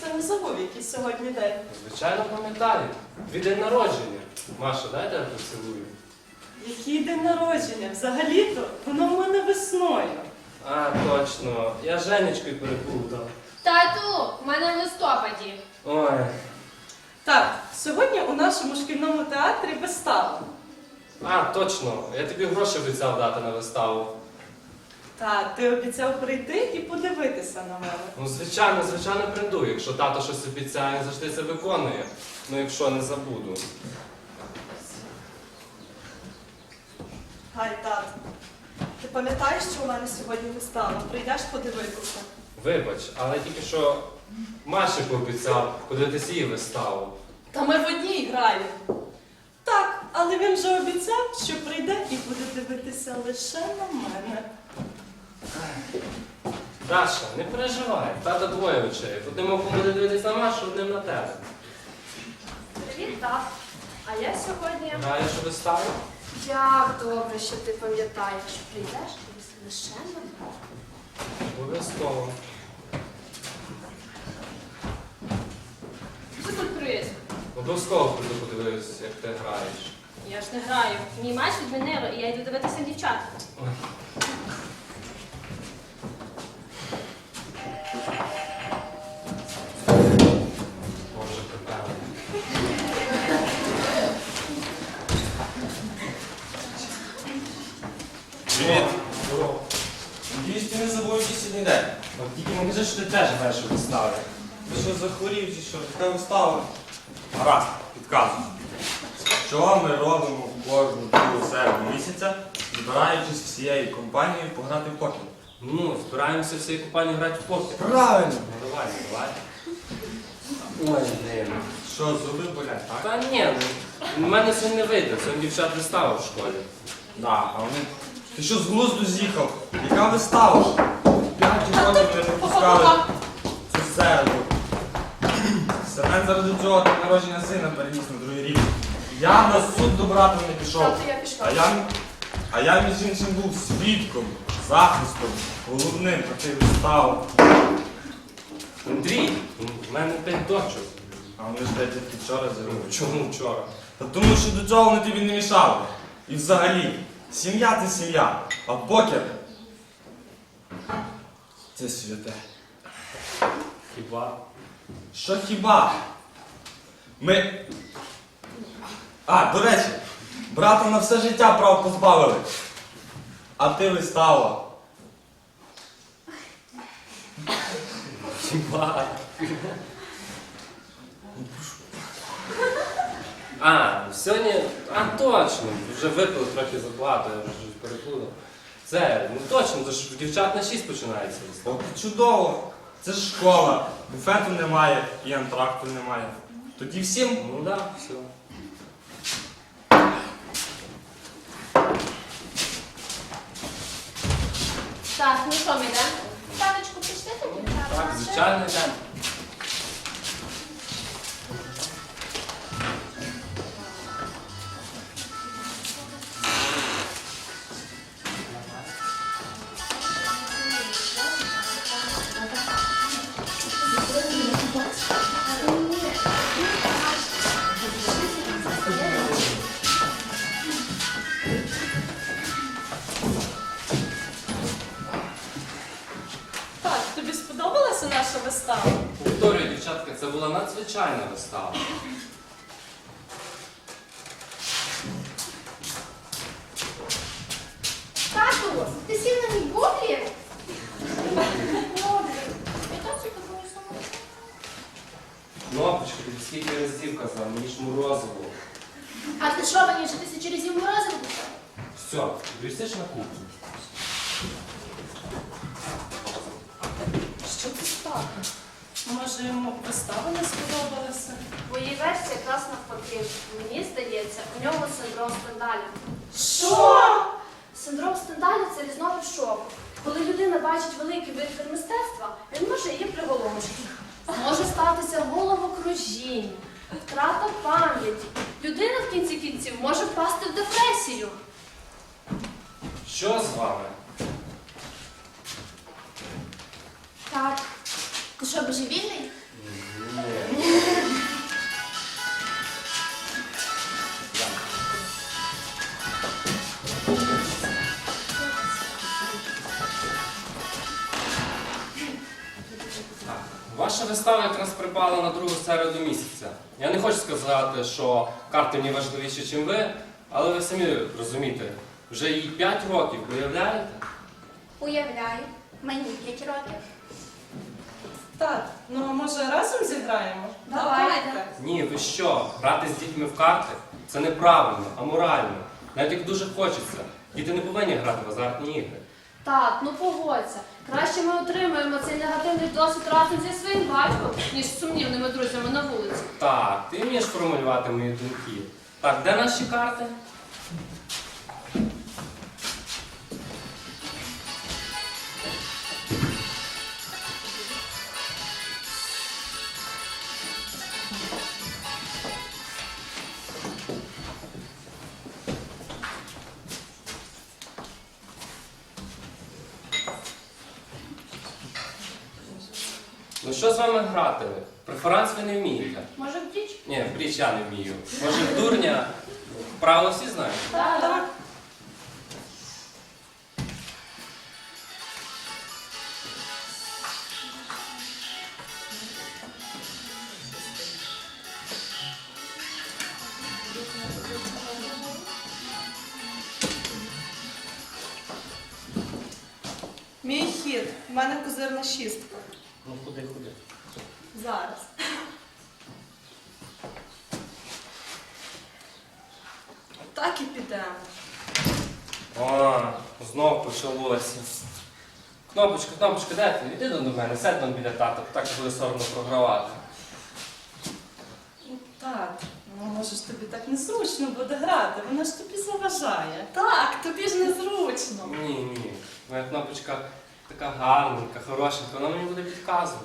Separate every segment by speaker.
Speaker 1: це не забув, який сьогодні день.
Speaker 2: Звичайно, пам'ятаю. Твій день народження. Маша, дай тебе поцілую.
Speaker 1: Який день народження? Взагалі-то воно в мене весною.
Speaker 2: А, точно. Я з Женечкою переплутав.
Speaker 3: Тату, в мене в листопаді.
Speaker 2: Ой.
Speaker 1: Так, сьогодні у нашому шкільному театрі вистава.
Speaker 2: А, точно. Я тобі гроші обіцяв дати на виставу.
Speaker 1: Та, ти обіцяв прийти і подивитися на мене.
Speaker 2: Ну, звичайно прийду. Якщо тато щось обіцяє, завжди це виконує. Ну, якщо не забуду.
Speaker 1: Гай, тат, ти пам'ятаєш, що у мене сьогодні вистава? Прийдеш подивитися?
Speaker 2: Вибач, але тільки що Маші пообіцяв подивитися її виставу.
Speaker 1: Та ми в одній граємо. Так, але він же обіцяв, що прийде і буде дивитися лише на мене.
Speaker 2: Даша, не переживай. Тата двоє очей. Одним оком буде дивитися на Машу, одним на тебе.
Speaker 3: Привіт, тат. А я сьогодні...
Speaker 2: Граєш у виставу?
Speaker 3: Як добре, що ти пам'ятаєш. Прийдеш і лише на мене.
Speaker 2: Обов'язково.
Speaker 3: Сюрприз.
Speaker 2: Обов'язково прийду подивитися, як ти граєш.
Speaker 3: Я ж не граю. Мій матч відмінили, і я йду дивитися дівчат.
Speaker 2: Ой. Боже, припевно.
Speaker 4: Привіт!
Speaker 2: Здорово.
Speaker 4: Надіюсь, ти не забув, який сьогодні день.
Speaker 2: От тільки не кажи, що ти теж граєш у виставі.
Speaker 4: Ти що, захворів чи що? Така вистава? Гаразд, підказую. Що ми робимо кожну другу середу місяця, збираючись всією компанією пограти в покер?
Speaker 2: Ну, збираємося всією компанією грати в покер.
Speaker 4: Правильно!
Speaker 2: Ну, давай. Ой, блін.
Speaker 4: Що, зуби болять, так?
Speaker 2: Та ні, ну, в мене сьогодні не вийде. Сьогодні дівчат вистава в школі.
Speaker 4: Да, а вони... Ти що, з глузду з'їхав? Яка вистава ж? 5 років не пропускали цю середу. Семен заради цього день народження сина переніс на другий рік. Я на суд до брата не пішов.
Speaker 3: Тату, я пішла.
Speaker 4: А я між іншим був свідком, захистом, головним проти вистави.
Speaker 2: Андрій, в мене 5 дочок.
Speaker 4: А вони ж тільки вчора зробили.
Speaker 2: Чому вчора?
Speaker 4: Та тому що до цього вони тобі не мішали. І взагалі, сім'я це сім'я, а покер це святе.
Speaker 2: Хіба?
Speaker 4: Що хіба? Ми... А, до речі, брата на все життя прав позбавили. А ти вистава.
Speaker 2: Хіба? А, сьогодні... А, точно, вже випили трохи забагато, я вже переплутав. Це, ну точно, то ж в дівчат на 6 починається.
Speaker 4: О, ти чудово! Це ж школа, буфету немає і антракту немає. Тоді всім
Speaker 2: Ну да, все.
Speaker 3: Так, ну що, ми йдемо? Танечку, пішли тоді?
Speaker 2: Так, звичайно, йдемо.
Speaker 1: Так, тобі сподобалася наша вистава?
Speaker 2: Повторюю, дівчатка, це була надзвичайна вистава.
Speaker 3: Тату, ти сів на мій бублі? Добре. Я так собі такою самою.
Speaker 2: Кнопочка, тобі скільки разів казав, мені ж морозиво.
Speaker 3: А ти що, мені вже 1000 разів морозиво писав?
Speaker 2: Все, присиш на кухню.
Speaker 1: Що ти так? Може, йому вистава не сподобалася?
Speaker 3: Моїй версії якраз навпаки. Мені здається, у нього синдром Стендаля.
Speaker 1: Що?
Speaker 3: Синдром Стендаля – це різновид шоку. Коли людина бачить великий витвір мистецтва, він може її приголомшити. Може статися головокружіння, втрата пам'яті. Людина в кінці кінців може впасти в депресію.
Speaker 2: Що з вами?
Speaker 3: Так. Ти що, божевільний?
Speaker 2: вистава якраз припала на другу середу місяця. Я не хочу сказати, що карти мені важливіші, ніж ви, але ви самі розумієте, вже їй 5 років, уявляєте?
Speaker 5: Уявляю, мені 5 років.
Speaker 1: Так, ну а може разом зіграємо?
Speaker 5: Давайте.
Speaker 2: Ні, ви що? Грати з дітьми в карти – це неправильно, аморально. Навіть як дуже хочеться. Діти не повинні грати в азартні ігри.
Speaker 3: Так, ну погодься. Краще ми отримаємо цей негативний досвід разом зі своїм батьком, ніж з сумнівними друзями на вулиці.
Speaker 2: Так, ти вмієш формулювати мої думки. Так, де наші карти? Ну що з вами грати? Преферанс ви не вмієте.
Speaker 3: Може, в діч?
Speaker 2: Ні, в бріч я не вмію. Може, в дурня? Правила всі знають?
Speaker 3: Так.
Speaker 1: Мій хід. У мене козирна шістка.
Speaker 2: Ну, ходи.
Speaker 1: Зараз. Так і підемо.
Speaker 2: О, знов почалося. Кнопочка, де ти? Іди до мене, сядь там біля тата, так буде соромно програвати.
Speaker 1: Так, ну може ж тобі так незручно буде грати, вона ж тобі заважає. Так, тобі ж незручно.
Speaker 2: Ні. Моя кнопочка така гарненька, хорошенька, вона мені буде підказувати.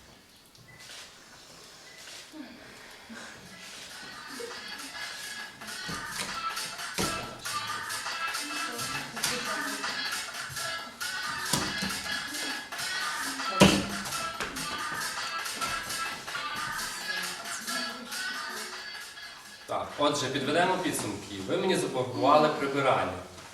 Speaker 2: Так, отже, підведемо підсумки. Ви мені запропонували прибирання.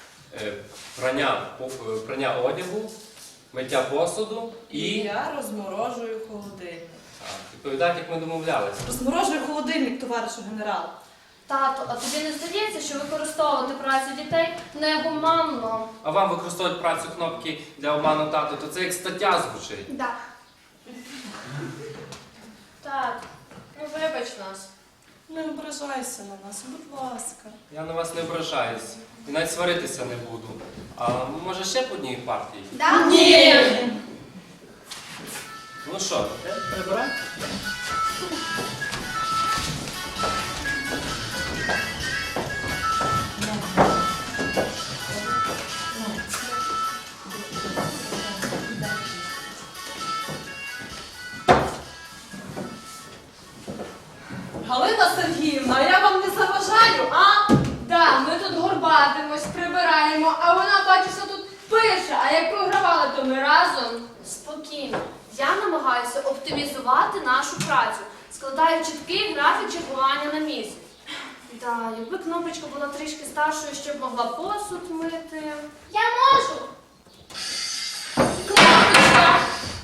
Speaker 2: Прання одягу, миття посуду
Speaker 1: І
Speaker 2: і...
Speaker 1: я розморожую холодильник.
Speaker 2: Так, відповідайте, як ми домовлялися.
Speaker 1: Розморожую холодильник, товаришу генерал.
Speaker 3: Тато, а тобі не здається, що використовувати працю дітей негуманно?
Speaker 2: А вам використовують працю кнопки для обману тату, то це як стаття звучить.
Speaker 5: Да.
Speaker 3: Так, ну вибач нас.
Speaker 1: Не ображайся на нас, будь ласка.
Speaker 2: Я на вас не ображаюсь. І навіть сваритися не буду. А може ще по одній партії?
Speaker 5: Да?
Speaker 1: Ні!
Speaker 2: Ну що, прибирай?
Speaker 1: Галина Сергіївна, я вам не заважаю, а?
Speaker 3: Да, ми тут горбатимось, прибираємо, а вона, бачиться, тут пише, а як програвали, то ми разом. Спокійно. Я намагаюся оптимізувати нашу працю, складаю чіткий графік чергування на місяць. Да, якби кнопочка була трішки старшою, щоб могла посуд мити.
Speaker 5: Я можу.
Speaker 3: Кнопочка!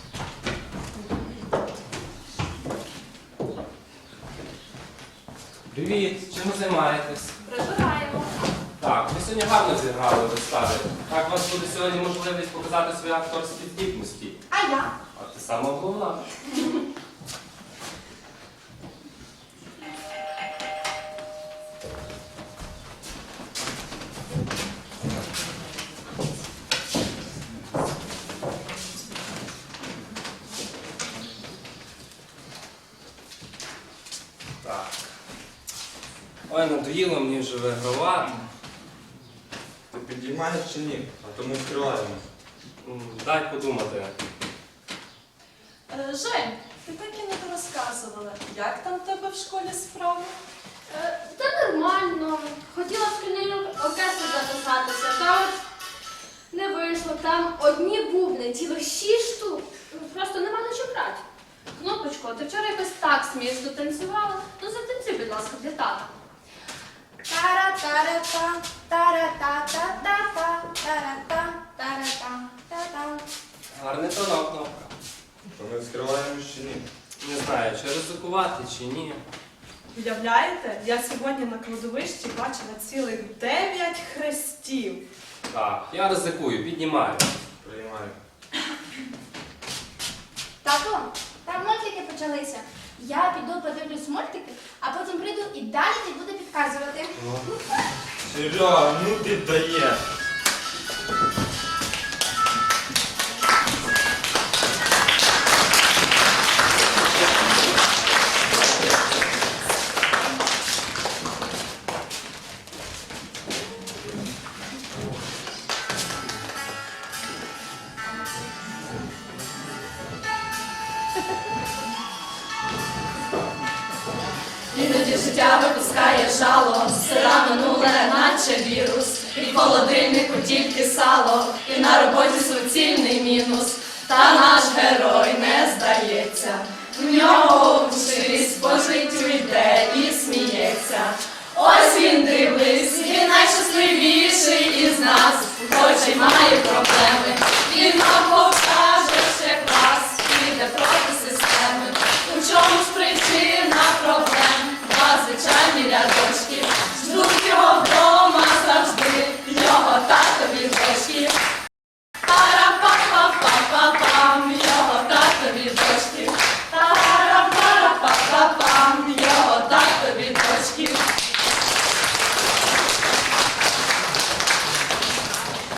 Speaker 2: Привіт, чим ви займаєтесь?
Speaker 3: Прибираємо.
Speaker 2: Так, ви сьогодні гарно зіграли в виставі. Так, у вас буде сьогодні можливість показати свої акторські здібності.
Speaker 5: А я?
Speaker 2: А ти сама головна. Так. Ой, надоїло мені вже вигравати.
Speaker 4: Ти підіймаєш чи ні? А то ми відкриваємо.
Speaker 2: Дай подумати.
Speaker 1: Жень, ти так і не розказувала, як там в тебе в школі справи?
Speaker 3: Та нормально. Хотіла в шкільний оркестр записатися, та от не вийшло. Там одні бубни, цілих 6 штук. Просто нема на що брати. Кнопочко, ти вчора якось так смішно танцювала. Ну затанцюй, будь ласка, для тата.
Speaker 5: Тара-тара-та, тара-та-та-та-та, тара-та, тара-та, та-та.
Speaker 2: Гарний тонок, кнопка.
Speaker 4: То ми відкриваємо чи ні?
Speaker 2: Не знаю, чи ризикувати, чи ні.
Speaker 1: Уявляєте, я сьогодні на кладовищі бачила цілих 9 хрестів.
Speaker 2: Так, я ризикую, піднімаю.
Speaker 4: Приймаю.
Speaker 5: Тато, там мультики почалися. Я піду подивлюсь мультики, а потім прийду і далі ти буду підказувати.
Speaker 4: Серега, ну ти даєш.
Speaker 6: Іноді життя випускає жало, сира минуле, наче вірус. І в холодильнику тільки сало, і на роботі суцільний мінус. Та наш герой не здається, в нього в